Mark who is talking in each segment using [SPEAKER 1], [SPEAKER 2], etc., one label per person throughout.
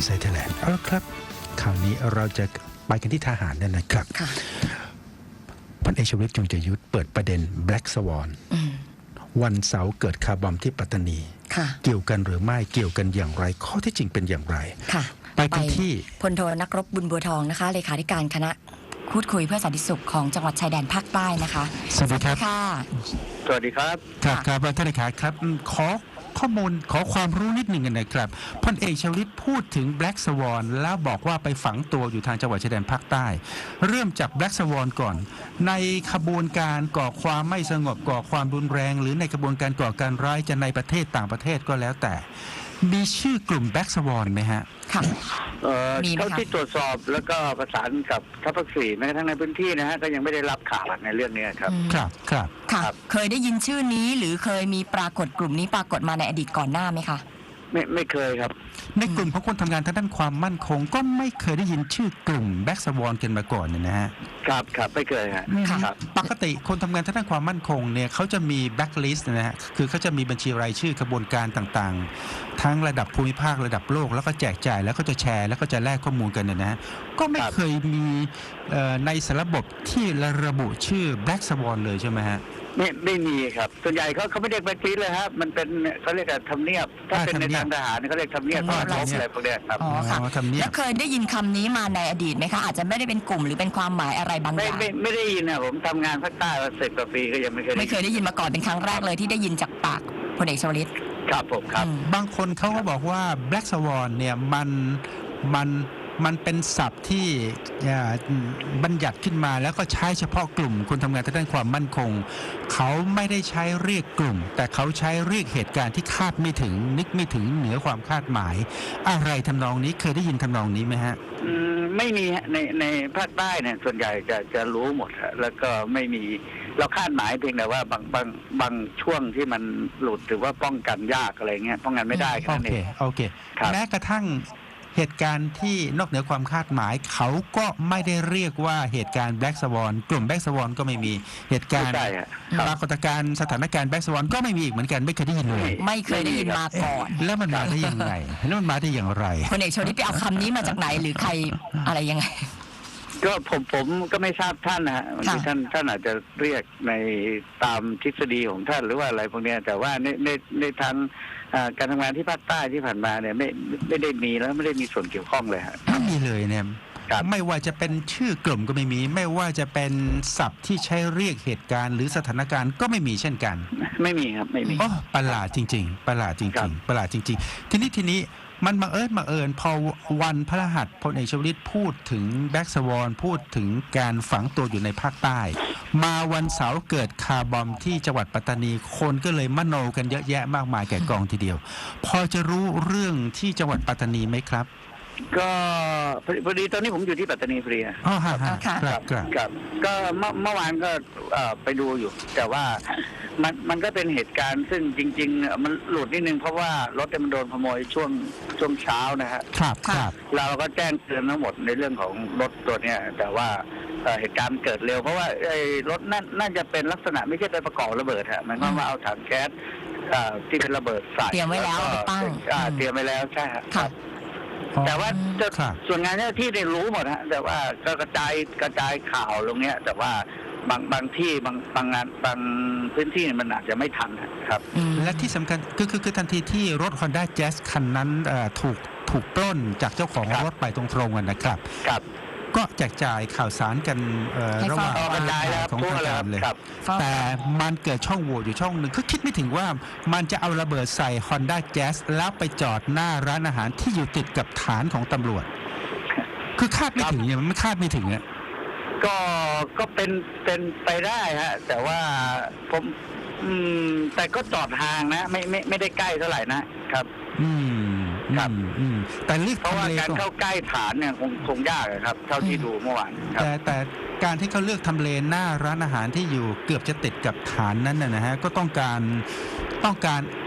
[SPEAKER 1] Inside Thailand เอาละครับคราวนี้เราจะไปกันที่ทหารเนี่ยนะครับพลเอกชวลิต จงใจยุทธเปิดประเด็น Black Swan วันเสาร์เกิดคาร์บอมที่ปัตตานีเกี่ยวกันหรือไม่เกี่ยวกันอย่างไรข้อที่จริงเป็นอย่างไรไปกันที่
[SPEAKER 2] พลโทนักรบบุญบัวทองนะคะเลขาธิการคณะพูดคุยเพื่อสันติสุขของจังหวัดชายแดนภาคใต้นะคะ
[SPEAKER 1] สวัสดีครับ
[SPEAKER 3] สวัสดีครับ
[SPEAKER 1] ครับท่านเลขาครับขอข้อมูลขอความรู้นิดหนึ่งกันนะครับพลเอกชวลิตพูดถึง Black Swan แล้วบอกว่าไปฝังตัวอยู่ทางจังหวัดชายแดนภาคใต้เริ่มจาก Black Swan ก่อนในขบวนการก่อความไม่สงบก่อความรุนแรงหรือในกระบวนการก่อการร้ายจะในประเทศต่างประเทศก็แล้วแต่มีชื่อกลุ่ม Black Swan ไหมฮะ
[SPEAKER 2] ค่ะ
[SPEAKER 3] เท่าที่ตรวจสอบแล้วก็ประสานกับทัพภาคสี่แม้กระทั่งในพื้นที่นะฮะก็ยังไม่ได้รับข่าวในเรื่องนี้ครับ
[SPEAKER 2] ค่ะเคยได้ยินชื่อนี้หรือเคยมีปรากฏกลุ่มนี้ปรากฏมาในอดีตก่อนหน้าไหมคะ
[SPEAKER 3] ไม่เคยครับ
[SPEAKER 1] ในกลุ่มของคนทำงานทางด้านความมั่นคงก็ไม่เคยได้ยินชื่อกลุ่มแบ็กสวอนกันมาก่อนเนี่ยนะฮะ
[SPEAKER 3] ครับไม่เคยครับ
[SPEAKER 1] ปกติคนทำงานทางด้านความมั่นคงเนี่ยเขาจะมีแบ็กลิสต์นะฮะคือเขาจะมีบัญชีรายชื่อกระบวนการต่างๆทั้งระดับภูมิภาคระดับโลกแล้วก็แจกจ่ายแล้วก็จะแชร์แล้วก็จะแลกข้อมูลกันเนี่ยนะฮะก็ไม่เคยมีในสารบบที่ระบุชื่อแบ็กสวอนเลยใช่ไหมฮะ
[SPEAKER 3] ไม่มีครับส่วนใหญ่เขาไม่เรียกแบ็คลิสต์เลยครับมันเป็นเขาเรียกทำเนียบถ้าเป็นในทางทหารเขาเรียกทำเนียบทอดอะไรพวกนี้ครับ
[SPEAKER 2] อ๋อค่ะแล้วเคยได้ยินคำนี้มาในอดีตไหมคะอาจจะไม่ได้เป็นกลุ่มหรือเป็นความหมายอะไรบางอย่าง
[SPEAKER 3] ไม่ได้ยินนะผมทำงานภาคใต้มา10 กว่าปีก็ยังไม่เคย
[SPEAKER 2] ได้ยินมาก่อนเป็นครั้งแรกเลยที่ได้ยินจากปากพลเอกชวลิต
[SPEAKER 3] ครับผมครับ
[SPEAKER 1] บางคนเขาก็บอกว่า Black Swan เนี่ยมันเป็นศัพท์ที่บัญญัติขึ้นมาแล้วก็ใช้เฉพาะกลุ่มคนทำงานทางด้านความมั่นคงเขาไม่ได้ใช้เรียกกลุ่มแต่เขาใช้เรียกเหตุการณ์ที่คาดไม่ถึงนึกไม่ถึงเหนือความคาดหมายอะไรทำนองนี้เคยได้ยินทำนองนี้ไหมฮะ
[SPEAKER 3] ไม่มีในภาคใต้เนี่ยส่วนใหญ่จะรู้หมดแล้วก็ไม่มีเราคาดหมายเพียงแต่ว่าบางช่วงที่มันหลุดหรือว่าป้องกันยากอะไรเงี้ยป้องกันไม่ได้แค่นั้นเอง
[SPEAKER 1] โอเคแม้กระทั่งเหตุการณ์ที่นอกเหนือความคาดหมายเขาก็ไม่ได้เรียกว่าเหตุการณ์ Black Swan กลุ่ม Black Swan ก็ไม่มีเหตุการณ์ปรากฏการณ์สถานการณ์ Black Swan ก็ไม่มีอีกเหมือนกันไม่เคยได้ยินเลย
[SPEAKER 2] ไม่เคยได้ยินมาก่อน
[SPEAKER 1] แล้วมันมาได้ยังไงแล้วมันมาได้อย่างไร
[SPEAKER 2] พลเอกชวลิตไปเอาคำนี้มาจากไหนหรือใครอะไรยังไง
[SPEAKER 3] ก็ผมก็ไม่ทราบท่านนะฮะท่านอาจจะเรียกในตามทฤษฎีของท่านหรือว่าอะไรพวกนี้แต่ว่าในทางการทำงานที่ภาคใต้ที่ผ่านมาเนี่ยไม่ได้มีแล้วไม่ได้มีส่วนเกี่ยวข้องเลยฮะ
[SPEAKER 1] ไม่มีเลยเนี่ยไม่ว่าจะเป็นชื่อกลุ่มก็ไม่มีไม่ว่าจะเป็นศัพท์ที่ใช้เรียกเหตุการณ์หรือสถานการณ์ก็ไม่มีเช่นกัน
[SPEAKER 3] ไม่มีครับไม่มี
[SPEAKER 1] ประหลาดจริงๆประหลาดจริงๆประหลาดจริงๆทีนี้มันบังเอิญพอวันพฤหัสพลเอกชวลิตพูดถึงแบ็กสวอนพูดถึงการฝังตัวอยู่ในภาคใต้มาวันเสาร์เกิดคาร์บอมที่จังหวัดปัตตานีคนก็เลยมโนกันเยอะแยะมากมายแก่กองทีเดียวพอจะรู้เรื่องที่จังหวัดปัตตานีไหมครับ
[SPEAKER 3] ก็พอดีตอนนี้ผมอยู่ที่ปัตตานีพอดี
[SPEAKER 1] อ๋อครับ
[SPEAKER 3] ก็เมื่อวานก็ไปดูอยู่แต่ว่ามันก็เป็นเหตุการณ์ซึ่งจริงๆมันหลุดนิดนึงเพราะว่ารถมันโดนขโมยช่วงเช้านะฮะ
[SPEAKER 1] ครับ
[SPEAKER 3] เราก็แจ้งเตือนทั้งหมดในเรื่องของรถตัวเนี้ยแต่ว่าเหตุการณ์เกิดเร็วเพราะว่าไอ้รถน่าจะเป็นลักษณะไม่ใช่ไปประกอบระเบิดฮะมันก็มาเอาถังแก๊สที่เป็นระเบิดใส่
[SPEAKER 2] เตรียมไว้แล้วตั้ง
[SPEAKER 3] เตรียมไว้แล้วใช่ครับแต่ว่าส่วนงานเจ้าที่ได้รู้หมดฮะแต่ว่าก็กระจายข่าวลงเนี้ยแต่ว่าบางที่บางงานบางพื้นที่มันอาจจะไม่ทันครับ
[SPEAKER 1] และที่สำคัญคือทันทีที่รถ Honda Jazz คันนั้นถูกปล้นจากเจ้าของรถไปตรงๆนะครับก็แจกจ่ายข่าวสารกันระหว่างของทางการเลยแต่มันเกิดช่องโหว่อยู่ช่องหนึ่งคือคิดไม่ถึงว่ามันจะเอาระเบิดใส่ Honda Jazz แล้วไปจอดหน้าร้านอาหารที่อยู่ติดกับฐานของตำรวจคือคาดไม่ถึงเนี่ยมันไม่คาดไม่ถึงอ่ะ
[SPEAKER 3] ก็เป็นไปได้ฮะแต่ว่าผมแต่ก็จอดห่างนะไม่ได้ใกล้เท่าไหร่นะครับครับ
[SPEAKER 1] แต่เลือก
[SPEAKER 3] เพราะว่าการเข้าใกล้ฐานเนี่ยคงยากครับเท่าที่ดูเมื่อวาน
[SPEAKER 1] แต่การที่เขาเลือกทำเลหน้าร้านอาหารที่อยู่เกือบจะติดกับฐานนั้นนะฮะก็ต้องการ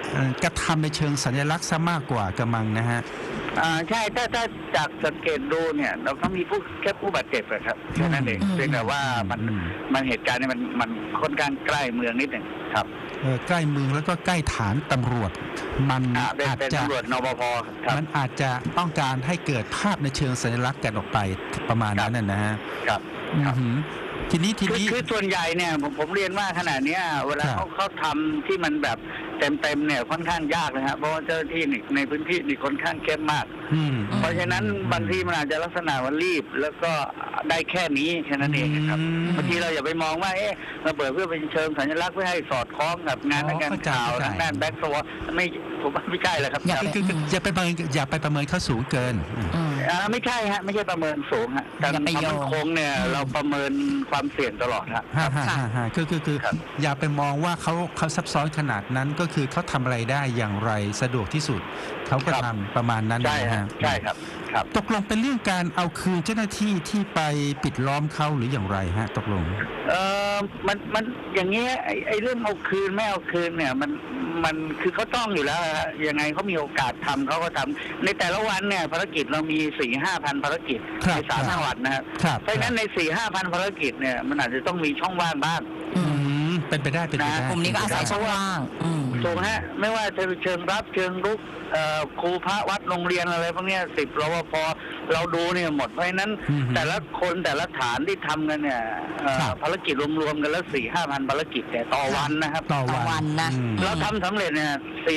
[SPEAKER 1] กระทำในเชิงสัญลักษณ์ซะมากกว่ากระมังนะฮะ
[SPEAKER 3] ใช่ถ้าจากสังเกตดูเนี่ยเราก็มีแค่ผู้บาดเจ็บอะครับแค่นั้นเองเพียงแต่ว่ามันเหตุการณ์เนี่ยมันค่อนข้างใกล้เมืองนิดหนึ่งครับ
[SPEAKER 1] ใกล้เมืองแล้วก็ใกล้ฐานตำรวจมันอาจจะ
[SPEAKER 3] ตำรวจนปภครับ
[SPEAKER 1] มันอาจจะต้องการให้เกิดภาพในเชิงสัญลักษณ์กันออกไปประมาณนั้นนะฮะ
[SPEAKER 3] ครับ
[SPEAKER 1] ทีนี้
[SPEAKER 3] คือส่วนใหญ่เนี่ยผมเรียนว่าขณะนี้เวลาเขาทำที่มันแบบเต็มเนี่ยค่อนข้างยากนะครับเพราะว่าเจ้าหน้าที่ในพื้นที่นี่ค่อนข้างเข้มมากเพราะฉะนั้นบางทีมันอาจจะลักษณะว่ารีบแล้วก็ได้แค่นี้แค่นั้นเองครับบางทีเราอย่าไปมองว่าเราเปิดเพื่อเป็นเชิงสัญลักษณ์เพื่อให้สอดคล้องกับงานข่าวด้านแบ็กโซไม่ผมว่าไม่ใช่เลยครับ
[SPEAKER 1] อย่าไปประเมินเขาสูงเกิน
[SPEAKER 3] ไม่ใช่ฮะไม่ใช่ประเมินสูงฮะการความมั่นคงเนี่ยเราประเมินความเสี่ยงตลอดฮะ
[SPEAKER 1] คืออย่าไปมองว่าเขาซับซ้อนขนาดนั้นก็คือเขาทำอะไรได้อย่างไรสะดวกที่สุดเขาก็ทำประมาณนั้น
[SPEAKER 3] นะฮะใช่ครับ
[SPEAKER 1] ตกลงเป็นเรื่องการเอาคืนเจ้าหน้าที่ที่ไปปิดล้อมเขาหรืออย่างไรฮะตกลง
[SPEAKER 3] มันอย่างเงี้ยไอ้เรื่องเอาคืนไม่เอาคืนเนี่ยมันคือเขาต้องอยู่แล้วฮะยังไงเขามีโอกาสทำเขาก็ทำในแต่ละวันเนี่ยภารกิจเรามี 4-5 พันภารกิจใน3 จังหวัดนะครับเพราะฉะนั้นใน 4-5 พันภารกิจเนี่ยมันอาจจะต้องมีช่องว่างบ้าง
[SPEAKER 1] เป็นไปได้ก
[SPEAKER 2] ลุ่มนี้ก็อาศัยช่องว่าง
[SPEAKER 3] ถูกฮะไม่ว่าจะเชิงรับเชิงรุกครูพระวัดโรงเรียนอะไรพวกนี้10 รปภเราดูเนี่ยหมดเพราะฉะนั้นแต่ละคนแต่ละฐานที่ทำกันเนี่ยภารกิจรวมๆกันแล้ว 4-5 พันภารกิจแต่ต่อวันนะครับ
[SPEAKER 2] ต่อวันนะ
[SPEAKER 3] เราทำสำเร็จเนี่ย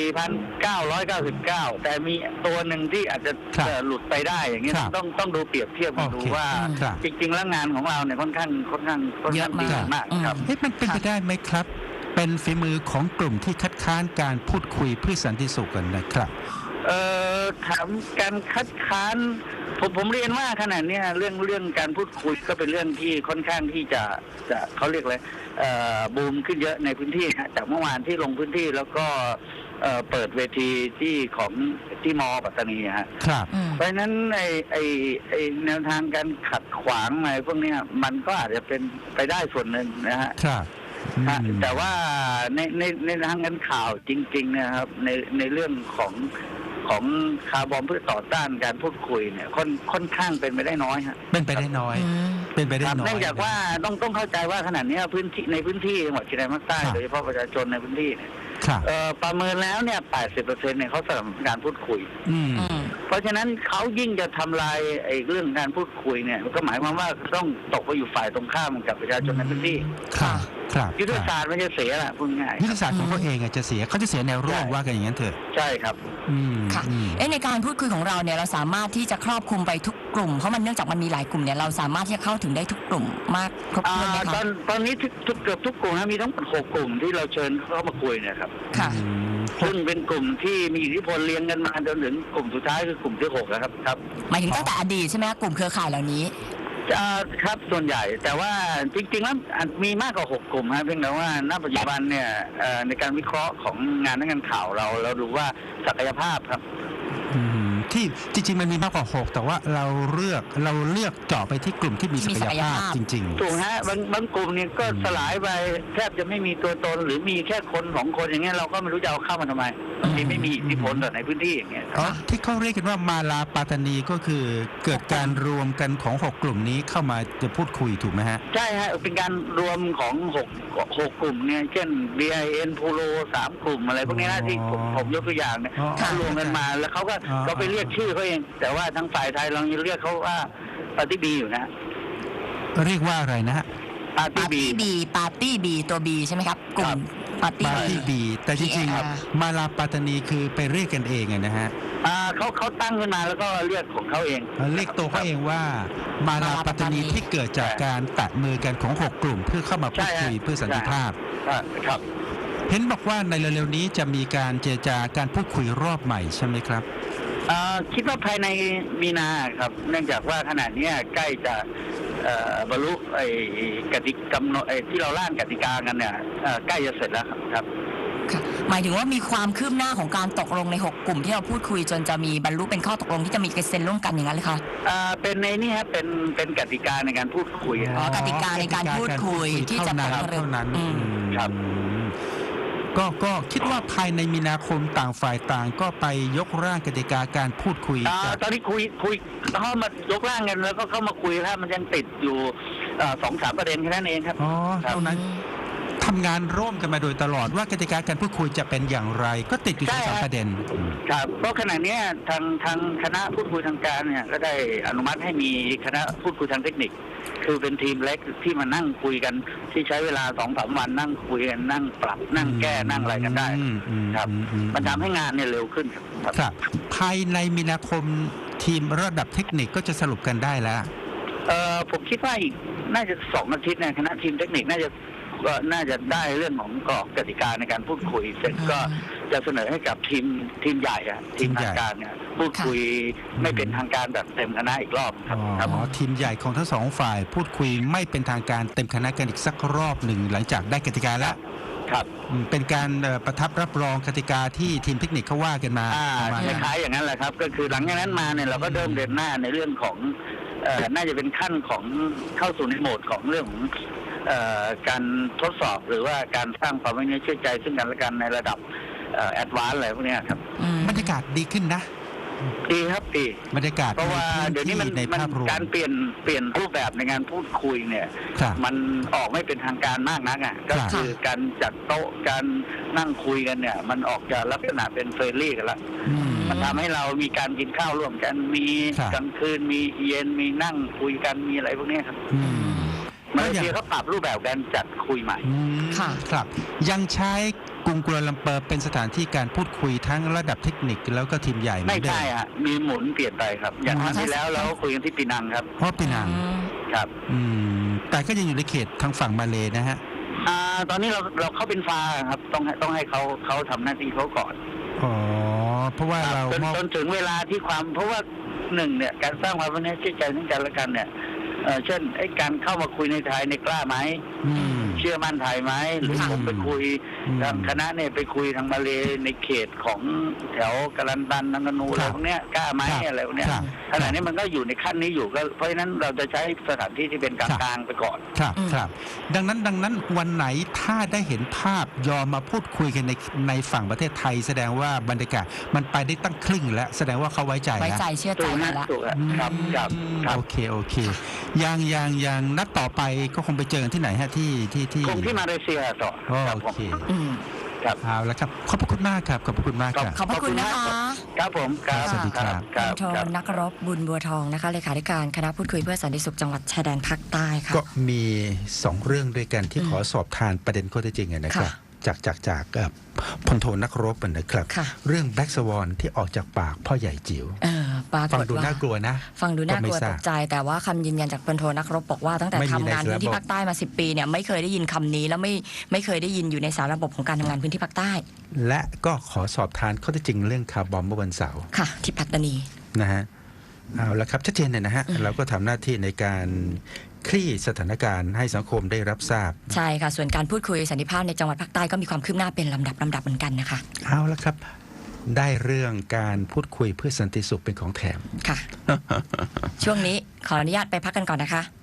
[SPEAKER 3] 4,999 แต่มีตัวหนึ่งที่อาจจะหลุดไปได้อย่างเงี้ยต้องดูเปรียบเทียบดูว่าจริงๆแล้วงานของเราเนี่ยค่อนข้างดีมากครับ
[SPEAKER 1] มันเป็นไปได้ไหมครับเป็นฝีมือของกลุ่มที่คัดค้านการพูดคุยเพื่อสันติสุขกันนะครับ
[SPEAKER 3] ถามการคัดค้านผมเรียนว่าขณะนี้เรื่องการพูดคุยก็เป็นเรื่องที่ค่อนข้างที่จะเขาเรียกอะไรบูมขึ้นเยอะในพื้นที่นะจากเมื่อวานที่ลงพื้นที่แล้วก็เปิดเวทีที่มอปัตตานีฮะเพราะฉะนั้นไอแนวทางการขัดขวางอะไรพวกนี้มันก็อาจจะเป็นไปได้ส่วนหนึ่งนะฮะแต่ว่าในทางการข่าวจริงๆนะครับในเรื่องของคาร์บอมเพื่อต่อต้านการพูดคุยเนี่ยค่อนข้างเป็นไปได้น้อยฮะ
[SPEAKER 1] เป็นไปได้น้อยเ
[SPEAKER 3] นื่องจากว่าต้องเข้าใจว่าขนาดนี้ในพื้นที่จังหวัดชายแดนภาคใต้โดยเฉพาะประชาชนในพื้นที่เนี่ยประเมินแล้วเนี่ย 80% เนี่ยเขาสนับสนุนการพูดคุยเพราะฉะนั้นเขายิ่งจะทำลายไอ้เรื่องการพูดคุยเนี่ยก็หมายความว่าต้องตกไปอยู่ฝ่ายตรงข้ามกับประชาชนในพื้นที่ยุทธศาสตร์มันจะเสียแหละพูดง่าย
[SPEAKER 1] ยุทธศาสตร์ของเขาเองจะเสียเขาจะเสียแนวร่วมว่ากันอย่างนั้นเถอะ
[SPEAKER 3] ใช่ครับ
[SPEAKER 2] ค่ะในการพูดคุยของเราเนี่ยเราสามารถที่จะครอบคลุมไปทุกกลุ่มเพราะมันเนื่องจากมันมีหลายกลุ่มเนี่ยเราสามารถที่จะเข้าถึงได้ทุกกลุ่มมากครบถ้วนไหมคะ
[SPEAKER 3] ตอนนี้เกือบทุกกลุ่มมีทั้งหมด6 กลุ่มที่เราเชิญเข้ามาคุยเนี่ยครับ
[SPEAKER 2] ค่ะ
[SPEAKER 3] ซึ่งเป็นกลุ่มที่มีอิทธิพลเลี้ยงกันมาจนถึงกลุ่มสุดท้ายคือกลุ่มที่6นะครับ
[SPEAKER 2] หมายถึงตั้งแต่อดีตใช่ไหมกลุ่มเครือข่ายเหล่านี้
[SPEAKER 3] ครับส่วนใหญ่แต่ว่าจริงๆแล้วมีมากกว่า6 กลุ่มครับเพียงแต่ว่าณปัจจุบันเนี่ยในการวิเคราะห์ของงานข่าวเราดูว่าศักยภาพครับ
[SPEAKER 1] ที่จริงๆมันมีมากกว่า6แต่ว่าเราเลือกเจาะไปที่กลุ่มที่มีศักยภาพจริงๆ
[SPEAKER 3] ถูกฮะบางกลุ่มเนี่ยก็สลายไปแทบจะไม่มีตัวตนหรือมีแค่คน2 คนอย่างเงี้ยเราก็ไม่รู้จะเอาเข้ามาทำไมที่ไม่มีอิทธิพลในพื้นที่อย่างเงี้ย
[SPEAKER 1] ที่เขาเรียกกันว่ามาลาปาตานีก็คือเกิดการรวมกันของ6 กลุ่มนี้เข้ามาจะพูดคุยถูกไหมฮะ
[SPEAKER 3] ใช่ฮะเป็นการรวมของ6 กลุ่มเนี่ยเช่น BIN พูโร3 กลุ่มอะไรพวกนี้นะที่ผมยกตัวอย่างเนี่ยรวมกันมาแล้วเขาก็ไปเรียกชื่อเขาเองแต่ว่าทางฝ่ายไทยเรายังเรียกเขาว่าปาร์ตี้บีอยู่นะ
[SPEAKER 1] เรียกว่าอะไรนะฮะ
[SPEAKER 2] ปาร์ตี้บีตัวบีใช่ไหมครับกลุ่มปาร์ตี้
[SPEAKER 1] บีแต่จริงๆมาลาปาตานีคือไปเรียกกันเองนะฮะ
[SPEAKER 3] เขาตั้งขึ้นมาแล้วก็เรียกของเขาเอง
[SPEAKER 1] เรียกตัวเขาเองว่ามาลาปาตานีที่เกิดจากการแตะมือกันของ6 กลุ่มเพื่อเข้ามาพูดคุยเพื่อสันติภาพ
[SPEAKER 3] ครับ
[SPEAKER 1] เห็นบอกว่าในเร็วๆนี้จะมีการเจรจาการพูดคุยรอบใหม่ใช่ไหมครับ
[SPEAKER 3] คิดว่าภายในมีนาครับเนื่องจากว่าขณะนี้ใกล้จะบรรลุกติกำหนดที่เราร่างกติกากันเนี่ยใกล้จะเสร็จแล้วครับ
[SPEAKER 2] หมายถึงว่ามีความคืบหน้าของการตกลงใน6 กลุ่มที่เราพูดคุยจนจะมีบรรลุเป็นข้อตกลงที่จะมีการเซ็นร่วมกันอย่างนั้นเลยคะ
[SPEAKER 3] เป็นในนี่ฮะเป็นกติกาในการพูดคุย
[SPEAKER 2] กติกาในการพูดคุยที่จะ
[SPEAKER 1] เท่านั้น
[SPEAKER 3] ครับ
[SPEAKER 1] ทก็คิดว่าภายในมีนาคมต่างฝ่ายต่างก็ไปยกร่างกติกาการพูดคุยกัน
[SPEAKER 3] ตอนนี้คุยเข้ามายกร่างกันแล้วก็เข้ามาคุยแล้วมันยังติดอยู่2-3 ประเด็นแค่นั้นเองครับ
[SPEAKER 1] อ๋อเท่านั้นทำงานร่วมกันมาโดยตลอดว่ากติกาการพูดคุยจะเป็นอย่างไร ก็ติดอยู่ที่3 ประเด็น
[SPEAKER 3] ครับเพราะขณะนี้ทางคณะพูดคุยทางการเนี่ยก็ได้อนุมัติให้มีคณะพูดคุยทางเทคนิค คือเป็นทีมเล็กที่มานั่งคุยกันที่ใช้เวลา2-3 วันนั่งคุยกันนั่งปรับนั่งแก้นั่งอะไรกันได้ครับมันทำให้งานเนี่ยเร็วขึ้นครับ
[SPEAKER 1] ครับภายในมีนาคมทีมระดับเทคนิคก็จะสรุปกันได้แล้ว
[SPEAKER 3] ผมคิดว่าอีกน่าจะ2 อาทิตย์เนี่ยคณะทีมเทคนิคน่าจะได้เรื่องของกรอบกติกาในการพูดคุยเสร็จก็จะเสนอให้กับทีมใหญ่อะทีมทางการเนี่ยพูดคุยไม่เป็นทางการแบบเต็มคณะอีกรอบครับ
[SPEAKER 1] อ๋อทีมใหญ่ของทั้ง2 ฝ่ายพูดคุยไม่เป็นทางการเต็มคณะกันอีกสักรอบหนึ่งหลังจากได้กติกาแล้ว
[SPEAKER 3] ครับ
[SPEAKER 1] เป็นการประทับรับรองกติกาที่ทีมเทคนิคเขาว่ากันมาประมาณ
[SPEAKER 3] ค
[SPEAKER 1] นั้น
[SPEAKER 3] ล้ายๆอย่างนั้นแหละครับก็คือหลังจากนั้นมาเนี่ยเราก็เริ่มเดินหน้าในเรื่องของน่าจะเป็นขั้นของเข้าสู่ในโหมดของเรื่องของการทดสอบหรือว่าการสร้างความไว้เนื้อเชื่อใจซึ่งกันและกันในระดับแอดวานซ์อะไรพวกเนี้ยครับ
[SPEAKER 1] บรรยากาศดีขึ้นนะ
[SPEAKER 3] ดีครับดี
[SPEAKER 1] บรรยากาศ
[SPEAKER 3] เพราะว่า
[SPEAKER 1] ใน
[SPEAKER 3] เดี๋ยวนี้
[SPEAKER 1] พื้น
[SPEAKER 3] มัน
[SPEAKER 1] ที่ในภาพรวม
[SPEAKER 3] การเปลี่ยนรูปแบบในการพูดคุยเนี่ย
[SPEAKER 1] ครับ
[SPEAKER 3] มันออกไม่เป็นทางการมากนักอ่ะก็คือการจัดโต๊ะการนั่งคุยกันเนี่ย มันออกจะลักษณะเป็นเฟรนลี่กันละ
[SPEAKER 1] อืม
[SPEAKER 3] มันทำให้เรามีการกินข้าวร่วมกันมี
[SPEAKER 1] ครับ
[SPEAKER 3] กลางคืนมีเย็นมีนั่งคุยกันมีอะไรพวกเนี้ยครับ
[SPEAKER 1] อืม
[SPEAKER 3] มาเลเซียเขาปรับรูปแบบการจัดคุยใหม่
[SPEAKER 1] อืม
[SPEAKER 2] ค่ะ
[SPEAKER 1] ครับ ยังใช้กรุงกัวลาลัมเปอร์เป็นสถานที่การพูดคุยทั้งระดับเทคนิคแล้วก็ทีมใหญ่เหมื
[SPEAKER 3] ไม่
[SPEAKER 1] อนเดิ
[SPEAKER 3] ใช่
[SPEAKER 1] ม
[SPEAKER 3] ฮะมีหมุนเปลี่ยนไปครับ อย่างครั้งที่แล้วเราคุยกันที่ปีนังครับ
[SPEAKER 1] เพราะปีนัง
[SPEAKER 3] ครับ
[SPEAKER 1] แต่ก็ยังอยู่ในเขตทางฝั่งมาเลนะฮะ
[SPEAKER 3] ตอนนี้เราเข้าเป็นฟ้าครับต้องให้เขาทำหน้าที่เขาก่อน
[SPEAKER 1] อ๋อเพราะว่าเรา
[SPEAKER 3] จนถึงเวลาที่เพราะว่าหนึ่งเนี่ยการสร้างความไว้เนื้อเชื่อใจซึ่งกันและกันเนี่ยเช่นการเข้ามาคุยในไทยในกล้าไหม
[SPEAKER 1] อืม
[SPEAKER 3] เชื่อมั่นไทยไหมหรือ
[SPEAKER 1] ค่ะ
[SPEAKER 3] ผมไปคุย
[SPEAKER 1] อืม
[SPEAKER 3] ทางคณะเนี่ยไปคุยทางมาเลในเขตของแถวกาลันตันนังกานูอะไรพวกเนี้ยกล้าไหม
[SPEAKER 1] ครับ
[SPEAKER 3] อะไรพวกเนี้ย
[SPEAKER 1] ครับ
[SPEAKER 3] ขณะนี้มันก็อยู่ในขั้นนี้อยู่ก็เพราะฉะนั้นเราจะใช้สถานที่ที่เป็นกลางๆไปก่อน
[SPEAKER 1] ครับครับดังนั้นวันไหนถ้าได้เห็นภาพยอมมาพูดคุยกันในฝั่งประเทศไทย แสดงว่าบรรยากาศมันไปได้ตั้งครึ่งแล้วแสดงว่าเขาไว้ใจ
[SPEAKER 2] ไว้
[SPEAKER 1] แล้ว
[SPEAKER 2] ใจเชื่อใจ
[SPEAKER 3] ถูก
[SPEAKER 2] กั
[SPEAKER 3] ฮะ
[SPEAKER 2] นละ
[SPEAKER 3] ถูกฮะครับ
[SPEAKER 1] โอเคยังนัดต่อไปก็คงไปเจอกันที่ไหนฮะที่
[SPEAKER 3] คงที่มาเลเซียต่อครับ
[SPEAKER 1] โอ
[SPEAKER 3] ผม
[SPEAKER 1] เค
[SPEAKER 2] อืม
[SPEAKER 3] ครับ
[SPEAKER 1] เอาละครับขอบพระคุณมากครับขอบพระคุณมากครับ
[SPEAKER 2] ขอบพระคุณนะคะ
[SPEAKER 3] ครับผมครับ
[SPEAKER 1] สวัสดีครับ
[SPEAKER 3] ครับ
[SPEAKER 2] โทนักรบบุญบัวทองนะคะเลขาธิการคณะพูดคุยเพื่อสันติสุขจังหวัดชายแดนภาคใต้ค่ะ
[SPEAKER 1] ก็มี2 เรื่องด้วยกันที่ขอสอบทานประเด็นข้อเท็จจริงนะครับ
[SPEAKER 2] ค่ะ
[SPEAKER 1] จากพลโทนักรบนะครับ
[SPEAKER 2] ค่ะ
[SPEAKER 1] เรื่องแบล็กสวอนที่ออกจากปากพ่อใหญ่จิ๋ว
[SPEAKER 2] ปราก
[SPEAKER 1] ฟัง
[SPEAKER 2] ฏ
[SPEAKER 1] ดู
[SPEAKER 2] ว่า
[SPEAKER 1] น่ากลัวนะ
[SPEAKER 2] ฟังดูน่ากลัว
[SPEAKER 1] ก็ไม่ท
[SPEAKER 2] ต
[SPEAKER 1] ราบ
[SPEAKER 2] กใจ แต่ว่าคำยืนยันจากพลโทนักรบบอกว่าตั้งแต่
[SPEAKER 1] ไม่มี
[SPEAKER 2] ทำงาน
[SPEAKER 1] ใน
[SPEAKER 2] พื้นที่
[SPEAKER 1] ระบบ
[SPEAKER 2] ภาคใต้มา10 ปีเนี่ยไม่เคยได้ยินคำนี้แล้วไม่เคยได้ยินอยู่ในสารระบบของการทำงานพื้นที่ภาคใต้
[SPEAKER 1] และก็ขอสอบทานข้อเท็จจริงเรื่องคาร์บอมเมื่อวันเสาร์
[SPEAKER 2] ค่ะ ที่ปัตตานี
[SPEAKER 1] นะฮะเอาละครับชัดเจนเลยนะฮะเราก็ทำหน้าที่ในการคลี่สถานการณ์ให้สังคมได้รับทราบ
[SPEAKER 2] ใช่ค่ะ ส่วนการพูดคุยสันติภาพในจังหวัดภาคใต้ก็มีความคืบหน้าเป็นลำดับเหมือนกันนะคะ
[SPEAKER 1] เอาละครับ ได้เรื่องการพูดคุยเพื่อสันติสุขเป็นของแถม
[SPEAKER 2] ค่ะ ช่วงนี้ขออนุญาตไปพักกันก่อนนะคะ